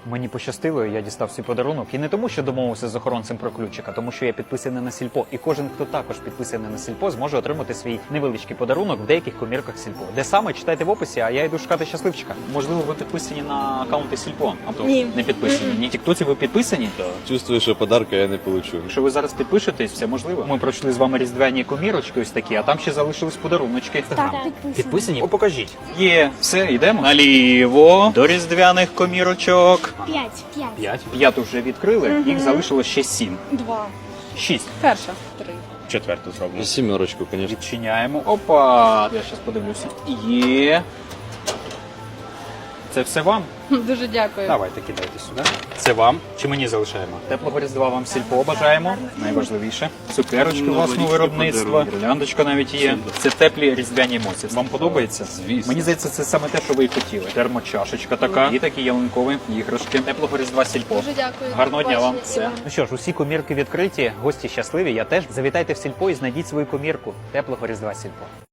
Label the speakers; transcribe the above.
Speaker 1: Мені пощастило, я дістав свій подарунок. І не тому, що домовився з охоронцем про ключик, а тому, що я підписаний на Сільпо. І кожен, хто також підписаний на Сільпо, зможе отримати свій невеличкий подарунок в деяких комірках Сільпо. Де саме, читайте в описі, а я йду шукати щасливчика. Можливо, ви підписані на аккаунти Сільпо? А то
Speaker 2: Ні.
Speaker 1: не підписані. Ні. Тіктоці ви підписані? Так.
Speaker 3: Чувствую, що подарка я не получу.
Speaker 1: Якщо ви зараз підпишетесь, все можливо. Ми пройшли з вами різдвяні комірочки ось такі, а там ще залишились подаруночки.
Speaker 2: Так, підписані.
Speaker 1: Підписані? О, покажіть. Є, все, йдемо. Наліво до різдвяних комірочок.
Speaker 2: 5.
Speaker 1: 5 вже відкрили, їх залишилось ще 7.
Speaker 2: 2.
Speaker 1: 6.
Speaker 2: Перша. 3.
Speaker 1: Четверту зроблю.
Speaker 3: Сімерочку, звісно.
Speaker 1: Відчиняємо. Опа! Я зараз подивлюся. Є. Це все вам?
Speaker 2: Дуже дякую.
Speaker 1: Давайте, кидайте сюди. Це вам. Чи мені залишаємо? Теплого Різдва вам Сільпо бажаємо. Найважливіше. Цукерочки власного виробництва. Гірляндочка навіть є. Це теплі різдвяні емоції. Вам подобається?
Speaker 3: Звісно.
Speaker 1: Мені здається, це саме те, що ви і хотіли. Термочашечка така. І такі ялинкові іграшки. Теплого Різдва Сільпо.
Speaker 2: Дуже дякую.
Speaker 1: Гарного дня вам.
Speaker 2: Побачення.
Speaker 1: Все. Ну що ж, усі комірки відкриті, гості щасливі. Я теж. Завітайте в Сільпо і знайдіть свою комірку. Теплого Різдва Сільпо.